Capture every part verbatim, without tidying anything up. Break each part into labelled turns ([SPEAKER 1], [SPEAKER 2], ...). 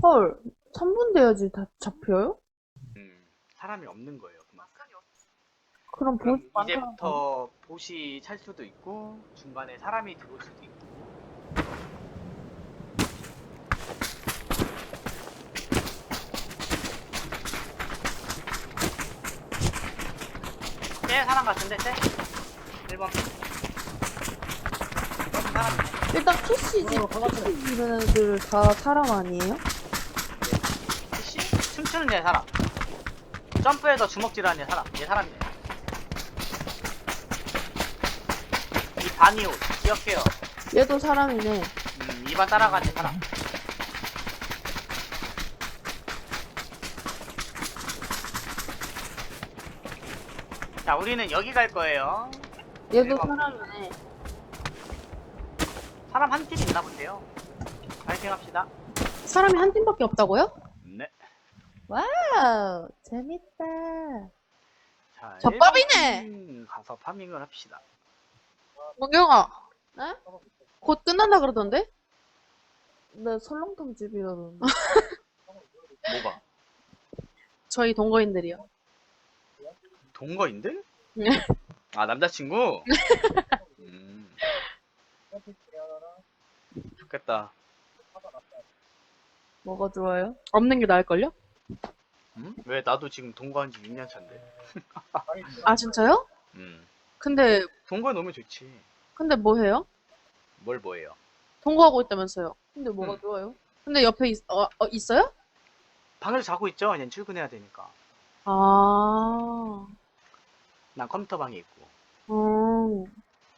[SPEAKER 1] 헐, 삼 분 돼야지 다 잡혀요?
[SPEAKER 2] 음, 사람이 없는 거예요. 그만큼.
[SPEAKER 1] 그럼
[SPEAKER 2] 그럼
[SPEAKER 1] 보스 많다는 거.
[SPEAKER 2] 이제부터 보시 찰 수도 있고 중간에 사람이 들어올 수도 있고. 쟤 사람 같은데 쟤? 일 번 사람.
[SPEAKER 1] 일단 캐시지,
[SPEAKER 3] 어, 가봤어요.
[SPEAKER 1] 캐시 이런 애들 다 사람 아니에요?
[SPEAKER 2] 씨? 춤추는 얘 사람. 점프해서 주먹질하는 얘 사람. 얘 사람이네. 이 바니옷 기억해요.
[SPEAKER 1] 얘도 사람이네.
[SPEAKER 2] 음, 이 번 따라가는 얘 사람. 자, 우리는 여기 갈 거예요.
[SPEAKER 1] 얘도
[SPEAKER 2] 대박.
[SPEAKER 1] 사람이네.
[SPEAKER 2] 사람 한 팀 있나 본데요. 파이팅 합시다.
[SPEAKER 1] 사람이 한 팀밖에 없다고요?
[SPEAKER 2] 네.
[SPEAKER 1] 와우, 재밌다.
[SPEAKER 2] 자,
[SPEAKER 1] 젖밥이네!
[SPEAKER 2] 일 번 팀 가서 파밍을 합시다.
[SPEAKER 1] 문경아, 네? 곧 끝난다 그러던데? 네, 설렁탕 집이라던데.
[SPEAKER 2] 뭐가?
[SPEAKER 1] 저희 동거인들이요.
[SPEAKER 2] 동거인들?
[SPEAKER 1] 네.
[SPEAKER 2] 아, 남자친구? 음, 좋겠다.
[SPEAKER 1] 뭐가 좋아요? 없는 게 나을걸요?
[SPEAKER 2] 음? 왜 나도 지금 동거한 지 육 년 차인데.
[SPEAKER 1] 아, 진짜요?
[SPEAKER 2] 음.
[SPEAKER 1] 근데,
[SPEAKER 2] 동거에 놓으면 좋지.
[SPEAKER 1] 근데 뭐 해요?
[SPEAKER 2] 뭘 뭐예요?
[SPEAKER 1] 동거하고 있다면서요. 근데 뭐가
[SPEAKER 2] 음.
[SPEAKER 1] 좋아요? 근데 옆에 있, 어, 어, 있어요?
[SPEAKER 2] 방에서 자고 있죠? 그냥 출근해야 되니까.
[SPEAKER 1] 아,
[SPEAKER 2] 난 컴퓨터 방에 있고.
[SPEAKER 1] 음.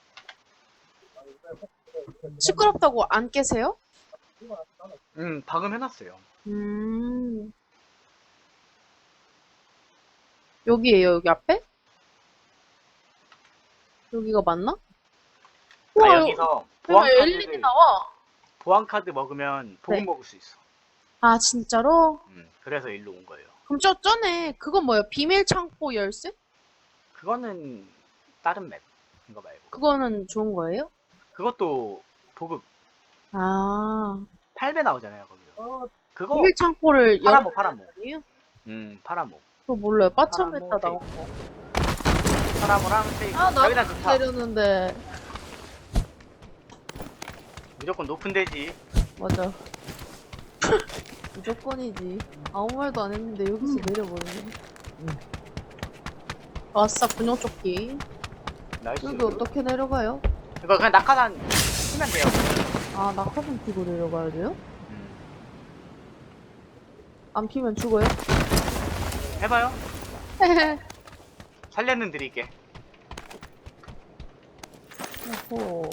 [SPEAKER 1] 시끄럽다고 안 깨세요?
[SPEAKER 2] 음, 방음 해놨어요.
[SPEAKER 1] 음. 여기에요, 여기 앞에? 여기가 맞나?
[SPEAKER 2] 아,
[SPEAKER 1] 우와,
[SPEAKER 2] 여기서
[SPEAKER 1] 여기가
[SPEAKER 2] 보안
[SPEAKER 1] 엘이디
[SPEAKER 2] 카드를,
[SPEAKER 1] 나와.
[SPEAKER 2] 보안 카드 먹으면 보급
[SPEAKER 1] 네.
[SPEAKER 2] 먹을 수 있어.
[SPEAKER 1] 아, 진짜로?
[SPEAKER 2] 음, 그래서 일로 온 거예요.
[SPEAKER 1] 그럼 저, 전에, 그건 뭐예요? 비밀 창고 열쇠?
[SPEAKER 2] 그거는 다른 맵. 이거 말고.
[SPEAKER 1] 그거는 좋은 거예요?
[SPEAKER 2] 그것도 보급
[SPEAKER 1] 아,
[SPEAKER 2] 팔 배 나오잖아요, 거기서. 그거
[SPEAKER 1] 비밀 창고를
[SPEAKER 2] 파라모,
[SPEAKER 1] 열어야
[SPEAKER 2] 파라모.
[SPEAKER 1] 되는
[SPEAKER 2] 음, 파라모.
[SPEAKER 1] 그거 몰라요.
[SPEAKER 2] 파라모
[SPEAKER 1] 빠참했다 나온
[SPEAKER 2] 테이프.
[SPEAKER 1] 거.
[SPEAKER 2] 파라모랑 테이프.
[SPEAKER 1] 아,
[SPEAKER 2] 여기다
[SPEAKER 1] 나도
[SPEAKER 2] 좋다.
[SPEAKER 1] 내렸는데.
[SPEAKER 2] 무조건 높은 데지.
[SPEAKER 1] 맞아. 무조건이지. 아무 말도 안 했는데 여기서 내려버리네. 아싸, 군용조끼.
[SPEAKER 2] 나이스.
[SPEAKER 1] 여기 어떻게 내려가요?
[SPEAKER 2] 이거 그냥 낙하산 치면 돼요.
[SPEAKER 1] 아, 낙하산 피고 내려가야 돼요?
[SPEAKER 2] 음.
[SPEAKER 1] 안 피면 죽어요?
[SPEAKER 2] 해봐요. 살려는 드릴게.
[SPEAKER 1] 어허.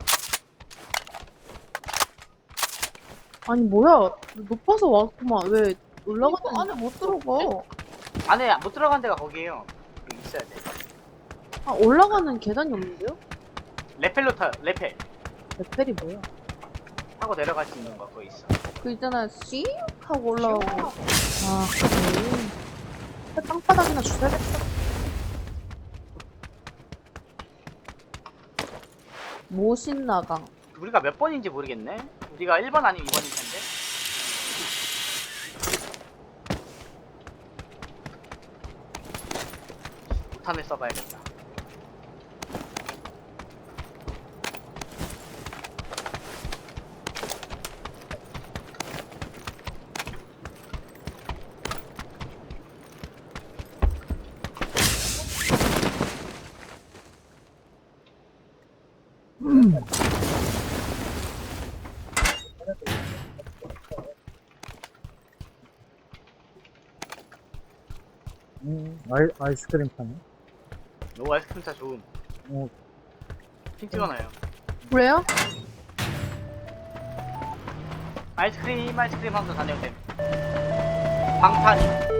[SPEAKER 1] 아니, 뭐야. 높아서 왔구만. 왜 올라가는 안에 못 들어가.
[SPEAKER 2] 안에 못 들어간 데가 거기에요. 여기 있어야 돼.
[SPEAKER 1] 아, 올라가는 계단이 없는데요?
[SPEAKER 2] 레펠로 타, 레펠.
[SPEAKER 1] 레펠이 뭐야?
[SPEAKER 2] 타고 내려갈 수 있는 거 거기 있어.
[SPEAKER 1] 그 있잖아, 씩 하고 올라오고. 아, 그래. 땅바닥이나 주워야겠다. 모신나강.
[SPEAKER 2] 우리가 몇 번인지 모르겠네. 우리가 일 번 아니면 이 번일 텐데. 못탄을 써봐야겠다.
[SPEAKER 3] 음, 아이, 아이스크림 파네.
[SPEAKER 2] 오, 아이스크림 차 좋음.
[SPEAKER 3] 어,
[SPEAKER 2] 핑 찍어놔요.
[SPEAKER 1] 그래요?
[SPEAKER 2] 아이스크림, 아이스크림 하면서 다녀도 됨. 방탄.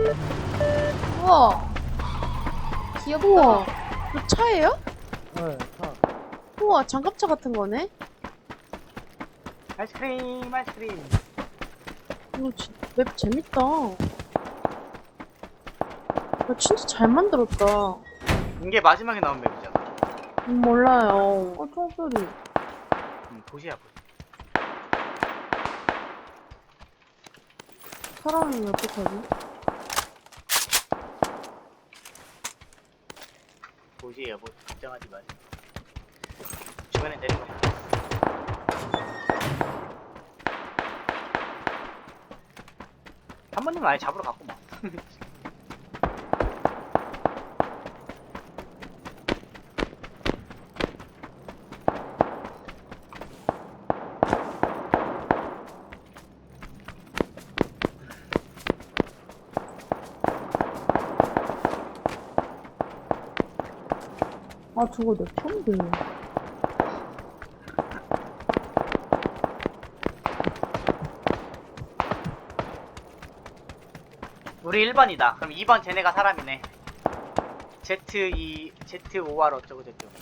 [SPEAKER 1] 우와. 귀엽다. 우와. 그 차예요?
[SPEAKER 3] 네, 차.
[SPEAKER 1] 우와, 장갑차 같은 거네?
[SPEAKER 2] 아이스크림, 아이스크림.
[SPEAKER 1] 이거 진, 맵 재밌다. 이거 진짜 잘 만들었다.
[SPEAKER 2] 이게 마지막에 나온 맵이잖아.
[SPEAKER 1] 음, 몰라요. 어, 총소리.
[SPEAKER 2] 음, 보시야, 보시.
[SPEAKER 1] 사람이 어떡하지?
[SPEAKER 2] 뭐지 여보 걱정하지 마. 주변에 내린 거. 한 번님 아예 잡으러 갔고 막.
[SPEAKER 1] 아, 저거 내 편데.
[SPEAKER 2] 우리 일 번이다. 그럼 이 번 쟤네가 사람이네. Z 이 Z 오 알 어쩌고 저쩌고.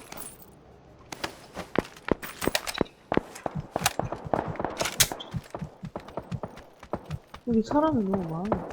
[SPEAKER 1] 여기 사람이 너무 많아.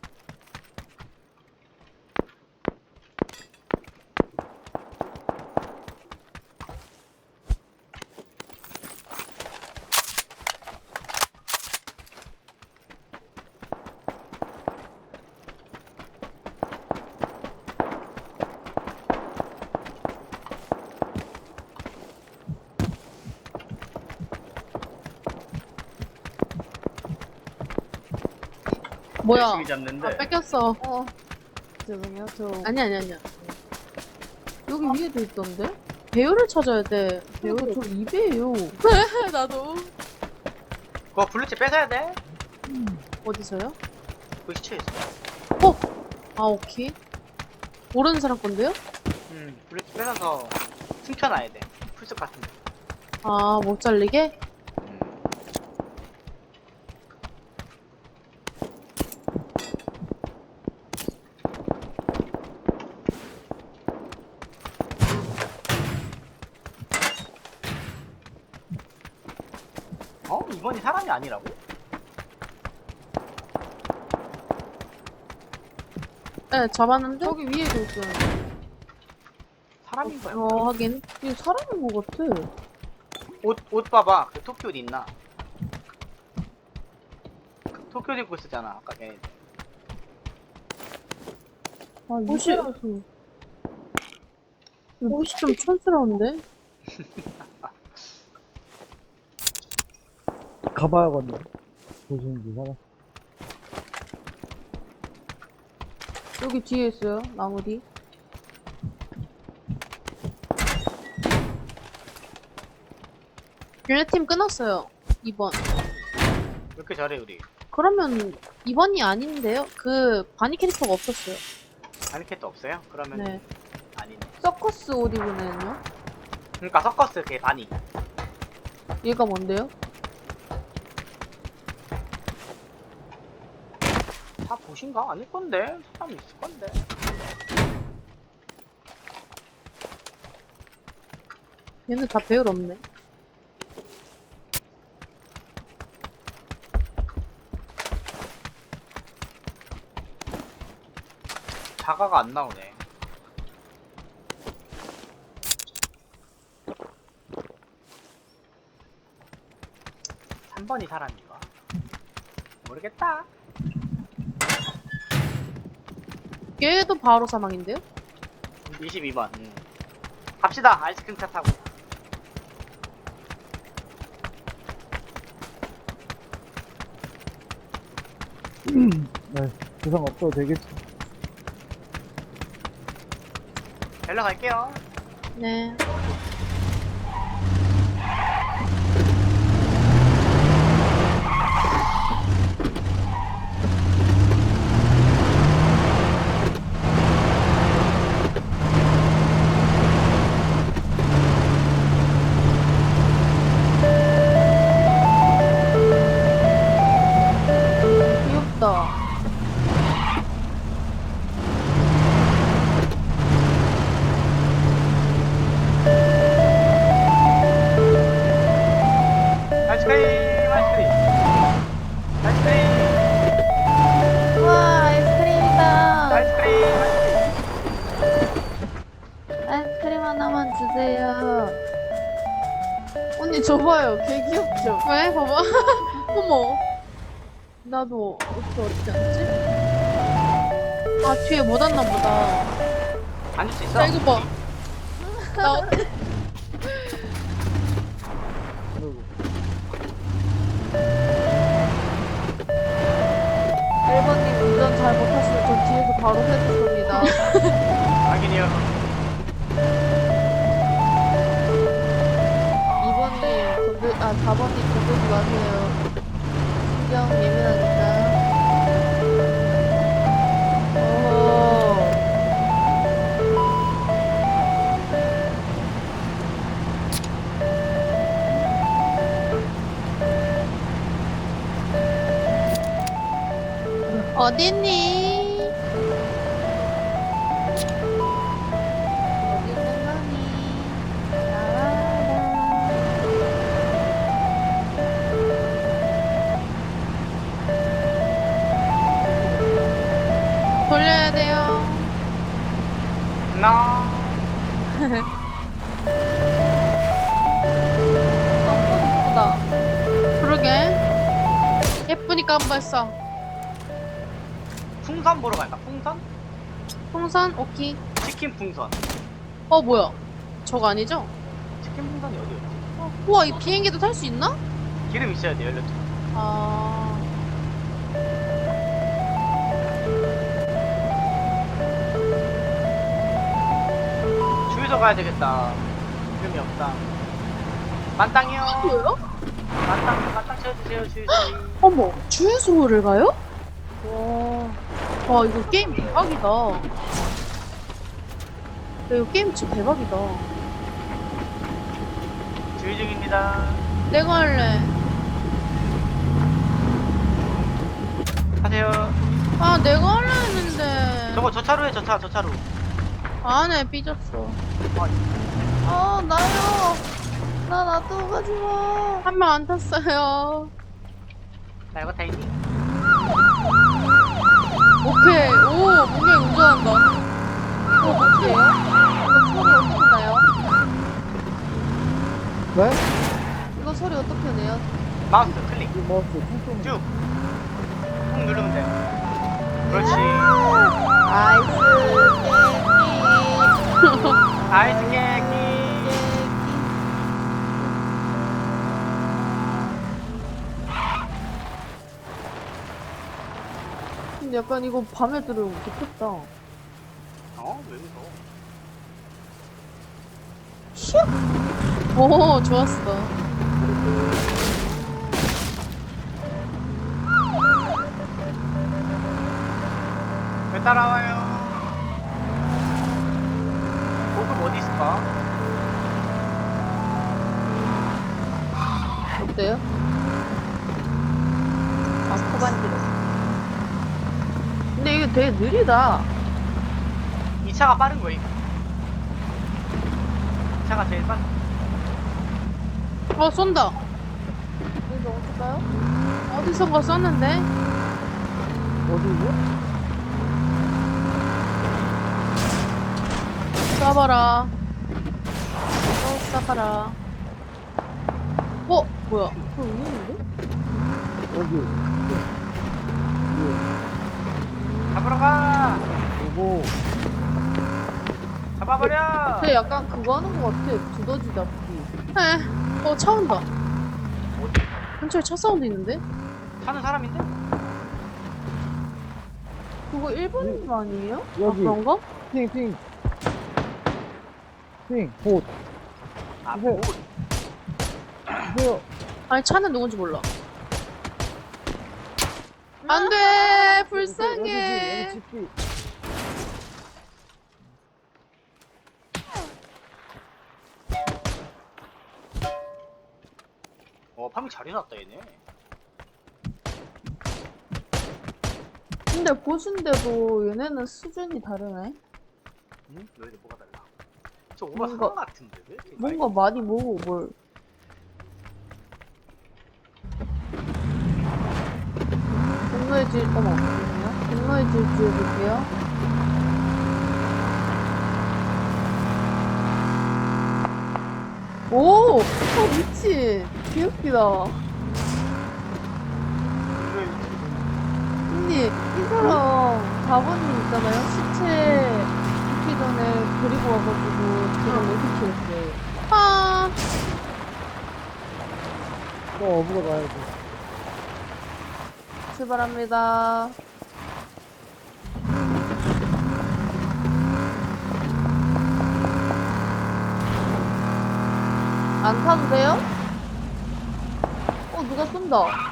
[SPEAKER 1] 뭐야?
[SPEAKER 2] 열심히 잡는데.
[SPEAKER 1] 아, 뺏겼어.
[SPEAKER 4] 어. 죄송해요. 저
[SPEAKER 1] 아니, 아니, 아니야. 여기 위에도 있던데? 배율을 찾아야 돼. 배율
[SPEAKER 4] 그러니까
[SPEAKER 1] 저 이 배예요. 나도.
[SPEAKER 2] 그거 블루칩 뺏어야 돼.
[SPEAKER 1] 어디서요?
[SPEAKER 2] 그 시체에 있어.
[SPEAKER 1] 아, 오케이. 모르는 사람 건데요?
[SPEAKER 2] 음, 블루칩 뺏어서 숨겨놔야 돼. 풀숲 같은데.
[SPEAKER 1] 아, 못 잘리게?
[SPEAKER 2] 음. 어? 이번이 사람이 아니라고?
[SPEAKER 1] 네, 잡았는데? 저기 위에도 있어요.
[SPEAKER 2] 사람인 거야.
[SPEAKER 1] 어, 하긴. 이게 사람인 것 같아.
[SPEAKER 2] 옷, 옷 봐봐. 그 토끼 옷 있나? 토끼 옷 입고 있었잖아. 아까 걔.
[SPEAKER 1] 아,
[SPEAKER 4] 옷이-
[SPEAKER 1] 이거라서. 옷이 좀 촌스러운데?
[SPEAKER 3] 가봐야겠네. 조심히 사람.
[SPEAKER 1] 여기 뒤에 있어요, 나무 뒤. 얘네 팀 끊었어요. 이 번.
[SPEAKER 2] 왜 이렇게 잘해, 우리?
[SPEAKER 1] 그러면 이 번이 아닌데요? 그 바니 캐릭터가 없었어요.
[SPEAKER 2] 아니캣도 없어요? 그러면
[SPEAKER 1] 네.
[SPEAKER 2] 아니네.
[SPEAKER 1] 서커스 옷 입은 애는요?
[SPEAKER 2] 그러니까 서커스 걔 바니.
[SPEAKER 1] 얘가 뭔데요?
[SPEAKER 2] 다 보신가? 아닐 건데? 사람 있을 건데.
[SPEAKER 1] 얘는 다 배열 없네.
[SPEAKER 2] 자가가 안 나오네. 삼 번이 사람인가? 모르겠다.
[SPEAKER 1] 얘도 바로 사망인데요?
[SPEAKER 2] 이십이 번. 음. 갑시다. 아이스크림 차 타고.
[SPEAKER 3] 네, 부상 없어도 되겠지.
[SPEAKER 2] 벨러 갈게요.
[SPEAKER 1] 네. 귀엽다.
[SPEAKER 2] 아이스크림, 아이스크림. 아이스크림,
[SPEAKER 1] 우와, 아이스크림이다.
[SPEAKER 2] 아이스크림, 아이스크림.
[SPEAKER 1] 아이스크림 하나만 주세요. 언니, 줘봐요. 개 귀엽죠? 왜? 봐봐. 어머. 나도 어떻게 어떻게 앉지? 아 뒤에 못 왔나 보다.
[SPEAKER 2] 앉을 수 있어?
[SPEAKER 1] 야 이거 봐. 나 어때?
[SPEAKER 3] 그리고
[SPEAKER 4] 일 번님 운전 잘 못하시면 전 뒤에서 바로 해줬습니다.
[SPEAKER 2] 확인이요.
[SPEAKER 4] 이 번님 건들, 아, 사 번님 건들지 마세요. 신경 예민하니까. 어허.
[SPEAKER 1] 어딨니?
[SPEAKER 4] 어디 있는 거니? 나와라.
[SPEAKER 1] 돌려야 돼요.
[SPEAKER 2] 나.
[SPEAKER 4] 너무 예쁘다.
[SPEAKER 1] 그러게. 예쁘니까 한번 써.
[SPEAKER 2] 풍선 보러 갈까? 풍선?
[SPEAKER 1] 풍선 오키.
[SPEAKER 2] 치킨 풍선.
[SPEAKER 1] 어 뭐야? 저거 아니죠?
[SPEAKER 2] 치킨 풍선이 어디였지?
[SPEAKER 1] 어, 우와 이 비행기도 탈 수 있나?
[SPEAKER 2] 기름 있어야 돼, 열렸죠.
[SPEAKER 1] 아.
[SPEAKER 2] 주유소 가야 되겠다. 기름이 없다. 만땅이요.
[SPEAKER 1] 뭐요?
[SPEAKER 2] 만땅, 만땅 채워주세요, 주유소.
[SPEAKER 1] 어머 주유소를 가요?
[SPEAKER 4] 와.
[SPEAKER 1] 와 이거 게임 대박이다. 야, 이거 게임 진짜 대박이다.
[SPEAKER 2] 주유 중입니다.
[SPEAKER 1] 내가 할래.
[SPEAKER 2] 하세요.
[SPEAKER 1] 아 내가 할래 했는데.
[SPEAKER 2] 저거 저 차로에 저 차, 저 차로.
[SPEAKER 1] 안해 삐졌어.
[SPEAKER 4] 아, 나요. 나 놔두고 가지 마.
[SPEAKER 1] 한 명 안 탔어요.
[SPEAKER 2] 나 이거 다 있니?
[SPEAKER 1] 오케이. 오 분명히 운전한다.
[SPEAKER 4] 이거 어때요? 이거 소리 어떻게 나요?
[SPEAKER 3] 왜?
[SPEAKER 4] 이거 소리 어떻게 내요?
[SPEAKER 2] 마우스 클릭.
[SPEAKER 3] 이 마우스 퉁퉁
[SPEAKER 2] 쭉. 꾹 누르면 돼. 그렇지.
[SPEAKER 4] 아이스 깨끼.
[SPEAKER 2] 아이스 깨기.
[SPEAKER 1] 근데 약간 이거 밤에 들으면 좋겠다.
[SPEAKER 2] 어? 왜 무서워?
[SPEAKER 1] 오 좋았어.
[SPEAKER 2] 왜 따라와요? 보급 어디 있을까?
[SPEAKER 1] 어때요? 아 코반지로. 근데 이게 되게 느리다.
[SPEAKER 2] 이 차가 빠른 거임. 이 차가 제일 빠른.
[SPEAKER 1] 어 쏜다.
[SPEAKER 4] 여기서 어떨까요?
[SPEAKER 1] 어디선가 쐈는데?
[SPEAKER 3] 어디죠?
[SPEAKER 1] 쏴봐라. 또 쏴봐라. 어? 뭐야? 그거 있는데?
[SPEAKER 3] 여기
[SPEAKER 2] 잡으러 가!
[SPEAKER 3] 그리고
[SPEAKER 2] 잡아버려!
[SPEAKER 4] 쟤 약간 그거 하는 거 같아. 두더지 잡기.
[SPEAKER 1] 에. 어 차 온다.
[SPEAKER 2] 어디?
[SPEAKER 1] 근처에 차 사운드 있는데?
[SPEAKER 2] 사는 사람인데?
[SPEAKER 1] 그거 일본인 거 아니에요?
[SPEAKER 3] 여기.
[SPEAKER 1] 아 그런가?
[SPEAKER 3] 핑핑 핑, 봇
[SPEAKER 2] 아,
[SPEAKER 3] 네.
[SPEAKER 2] 뭐.
[SPEAKER 3] 세요.
[SPEAKER 1] 아니 차는 누군지 몰라. 안돼 불쌍해.
[SPEAKER 3] 여기 집기.
[SPEAKER 2] 어, 파밍 잘 해놨다, 얘네.
[SPEAKER 1] 근데 보신데도 얘네는 수준이 다르네.
[SPEAKER 2] 응? 너희들 뭐가 달라? 저 오바
[SPEAKER 1] 뭔가-
[SPEAKER 2] 상 같은데, 왜 이렇게?
[SPEAKER 1] 뭔가 많이 모으고 뭘. 분노의 질, 어머, 잠시만요. 분노의 질주 해볼게요. 오! 어, 미친! 귀엽기다.
[SPEAKER 2] 분노의 질주.
[SPEAKER 1] 사 번님 있잖아요. 시체 죽기 전에 데리고 와가지고 제가 로드킬했어요.
[SPEAKER 4] 아,
[SPEAKER 3] 또 어부로 가야지.
[SPEAKER 1] 출발합니다. 안 타도 돼요? 어, 누가 쏜다.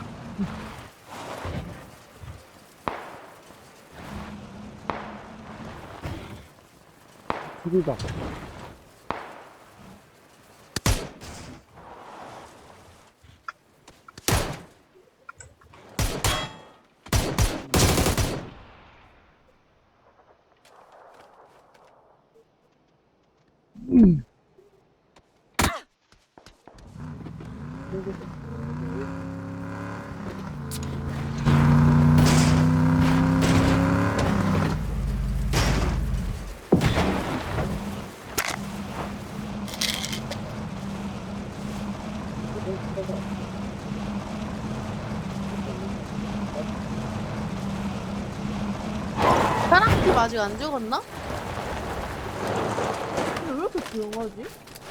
[SPEAKER 3] 둘이다.
[SPEAKER 4] 사람팀 아직 안 죽었나?
[SPEAKER 1] 근데 왜 이렇게 조용하지?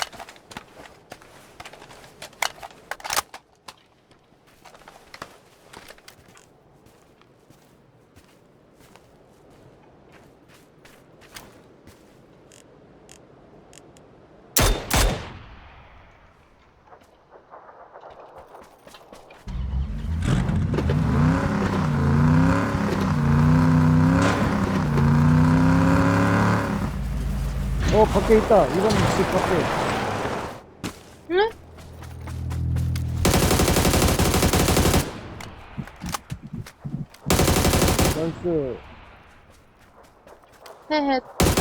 [SPEAKER 3] 어, 밖에 있다. 이번 집 밖에.
[SPEAKER 4] 응?
[SPEAKER 3] 나이스.
[SPEAKER 1] 헤헤.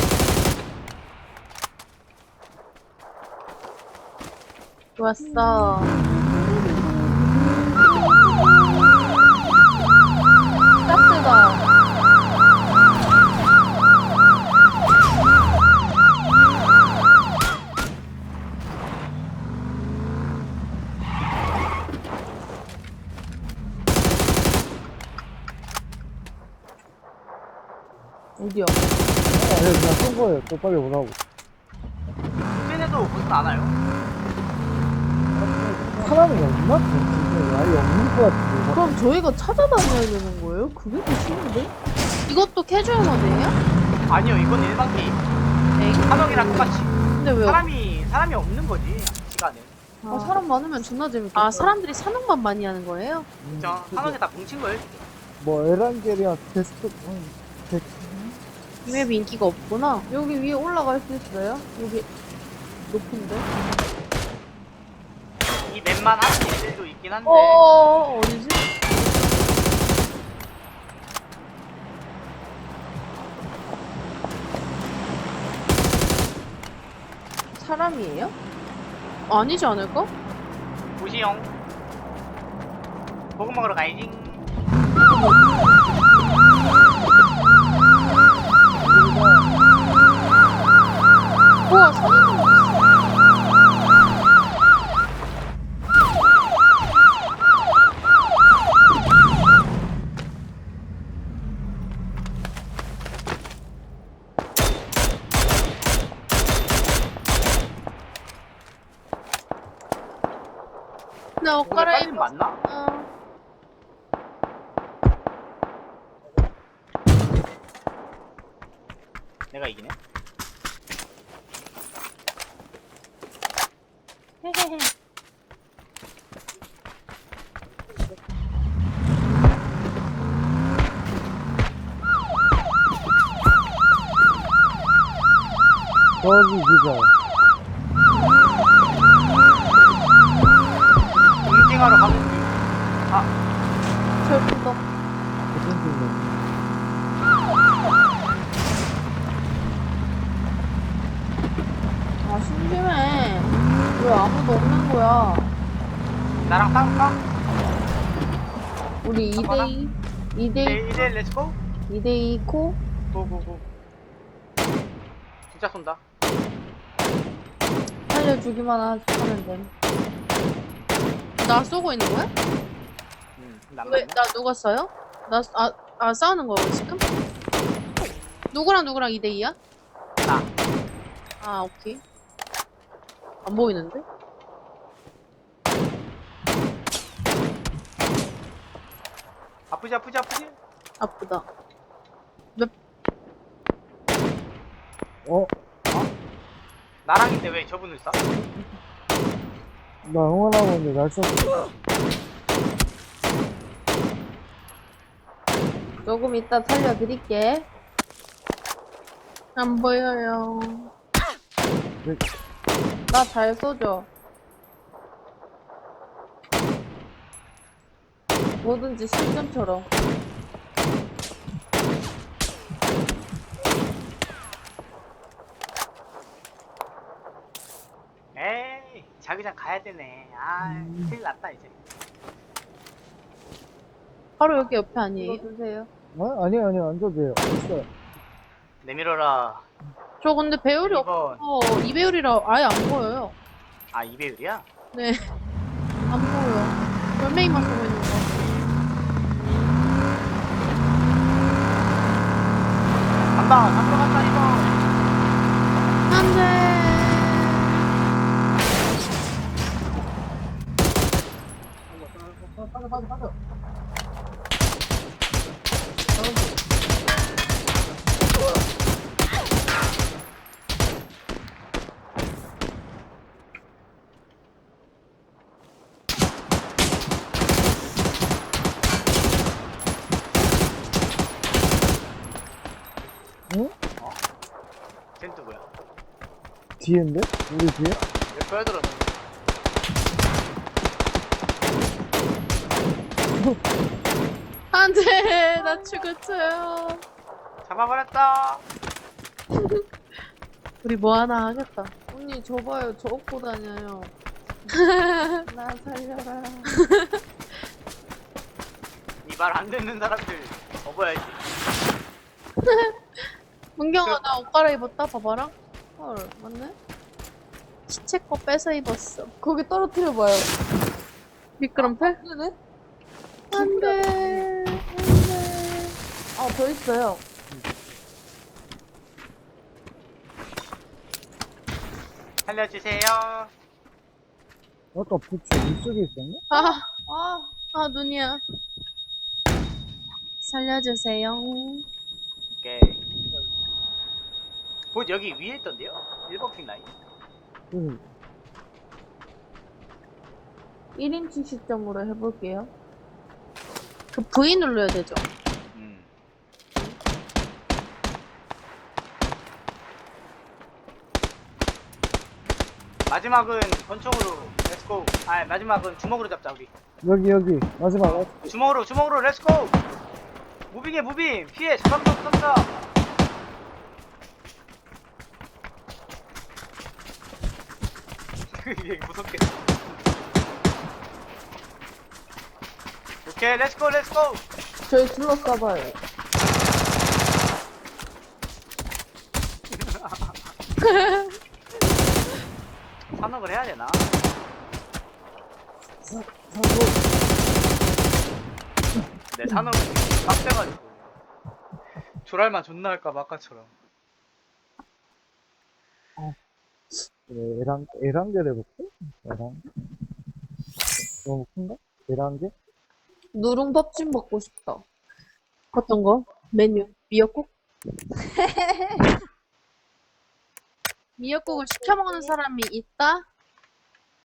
[SPEAKER 1] 좋았어. 가스다. 어디야?
[SPEAKER 3] 아, 예, 그냥 쏜 거예요. 또 빨리 오라고.
[SPEAKER 2] 국진에도 무슨 안 와요?
[SPEAKER 3] 사람이 없나? 진짜 아예 없는 것 같은데.
[SPEAKER 1] 그럼 저희가 찾아다녀야 되는 거예요? 그게 더 쉬운데?
[SPEAKER 4] 이것도 캐주얼 모드예요?
[SPEAKER 2] 아니요, 이건 일반 게임.
[SPEAKER 4] 네.
[SPEAKER 2] 한옥이랑 똑같이.
[SPEAKER 1] 근데 왜?
[SPEAKER 2] 사람이 사람이 없는 거지 시간에.
[SPEAKER 1] 아, 사람 많으면 존나 재밌겠다.
[SPEAKER 4] 아, 사람들이 사냥만 많이 하는 거예요?
[SPEAKER 2] 진짜 한옥에 다 뭉친 거예요.
[SPEAKER 3] 뭐, 에란게리아 테스트, 음, 데-
[SPEAKER 4] 이 맵이 인기가 없구나.
[SPEAKER 1] 여기 위에 올라갈 수 있어요? 여기 높은데?
[SPEAKER 2] 이 맵만 하는 애들도 있긴 한데.
[SPEAKER 1] 어, 어디지? 사람이에요?
[SPEAKER 4] 아니지 않을까?
[SPEAKER 2] 보시용. 보고 먹으러 가야지.
[SPEAKER 4] 우와, 선인장 있어. 나 옷
[SPEAKER 2] 오늘
[SPEAKER 4] 갈아입.
[SPEAKER 2] 빨리 맞나?
[SPEAKER 4] 어.
[SPEAKER 2] 내가 이기네.
[SPEAKER 4] 헤헤헤.
[SPEAKER 3] 저기 기자.
[SPEAKER 2] 응징하러 가는 중. 아,
[SPEAKER 1] 철푸덕.
[SPEAKER 3] 무슨 중이야?
[SPEAKER 1] 아, 심심해. 왜 아무도 없는 거야?
[SPEAKER 2] 나랑 싸울까?
[SPEAKER 1] 우리
[SPEAKER 2] 한번
[SPEAKER 1] 이 대 이, 이 대
[SPEAKER 2] 네, 이제 렛츠고.
[SPEAKER 1] 이 대 이 코?
[SPEAKER 2] 고고고. 진짜 쏜다.
[SPEAKER 1] 살려주기만 하- 하면 돼.
[SPEAKER 4] 나 쏘고 있는 거야?
[SPEAKER 2] 음, 난
[SPEAKER 4] 왜,
[SPEAKER 2] 맞네.
[SPEAKER 4] 나 누가 쏴요? 나, 아, 아, 싸우는 거야, 지금?
[SPEAKER 1] 누구랑 누구랑 이 대 이야?
[SPEAKER 2] 나.
[SPEAKER 1] 아, 오케이. 안 보이는데?
[SPEAKER 2] 아프지 아프지 아프지?
[SPEAKER 1] 아프다.
[SPEAKER 3] 어?
[SPEAKER 2] 나랑인데 왜 저분을 쏴?
[SPEAKER 3] 나 응원하고 있는데 날 쐈어.
[SPEAKER 4] 조금 이따 살려드릴게.
[SPEAKER 1] 안 보여요.
[SPEAKER 4] 나 잘 쏘죠? 뭐든지 실전처럼.
[SPEAKER 2] 에이 자기장 가야 되네. 아 큰일 났다 이제.
[SPEAKER 1] 바로 여기 옆에
[SPEAKER 4] 이거
[SPEAKER 1] 아니에요?
[SPEAKER 4] 드세요.
[SPEAKER 3] 어? 아니요, 아니요, 안 줘도 돼요. 있어요.
[SPEAKER 2] 내밀어라.
[SPEAKER 1] 저 근데 배율이
[SPEAKER 2] 이번.
[SPEAKER 1] 없어. 이 배율이라 아예 안 보여요.
[SPEAKER 2] 아 이배율이야?
[SPEAKER 1] 네. 안 보여. 몇 명이만 쏘고 있는 거.
[SPEAKER 2] 간다 간다 간다 이거.
[SPEAKER 1] 안 돼.
[SPEAKER 3] 응?
[SPEAKER 2] 쟤 누구야?
[SPEAKER 3] 뒤인데? 우리 뒤에?
[SPEAKER 2] 왜 보여들었는데?
[SPEAKER 1] 안 돼. 나 죽었어요.
[SPEAKER 2] 잡아버렸다.
[SPEAKER 1] 우리 뭐 하나 하겠다.
[SPEAKER 4] 언니 저 봐요. 저 업고 다녀요. 나 살려라.
[SPEAKER 2] 이 말 안 듣는 사람들 접어야지.
[SPEAKER 1] 문경아, 나 옷 갈아입었다. 봐봐라.
[SPEAKER 4] 헐, 맞네?
[SPEAKER 1] 시체 거 뺏어 입었어.
[SPEAKER 4] 거기 떨어뜨려봐요.
[SPEAKER 1] 미끄럼틀?
[SPEAKER 4] 그러네?
[SPEAKER 1] 안 돼. 안 돼.
[SPEAKER 4] 아, 더 있어요.
[SPEAKER 2] 살려주세요.
[SPEAKER 3] 아까 부츠 이쪽에 있었나?
[SPEAKER 1] 아,
[SPEAKER 4] 아,
[SPEAKER 1] 아, 눈이야. 살려주세요.
[SPEAKER 2] 오케이. 곧 여기 위에 있던데요? 일 번 핑 라인.
[SPEAKER 3] 응.
[SPEAKER 4] 일 인치 시점으로 해볼게요.
[SPEAKER 1] 그 V 눌러야 되죠.
[SPEAKER 2] 음. 마지막은 권총으로 렛츠고. 아 마지막은 주먹으로 잡자 우리.
[SPEAKER 3] 여기, 여기. 마지막.
[SPEAKER 2] 주먹으로 주먹으로 렛츠고. 무빙해 무빙. 피해. 잠깐만 잠깐만. 이게 무섭게. 오케이 렛츠고 렛츠고.
[SPEAKER 4] 저희 둘러싸봐요.
[SPEAKER 2] 산업을 해야 되나?
[SPEAKER 3] 사고.
[SPEAKER 2] 내 산업은 빡세가지고 조랄만 존나 할까봐 아까처럼.
[SPEAKER 3] 그래, 에랑, 에란겔 해볼게? 에란. 너무 큰가? 에란겔?
[SPEAKER 4] 누룽밥집 먹고 싶다.
[SPEAKER 1] 어떤 거? 메뉴. 미역국? 미역국을 시켜 먹는 사람이 있다?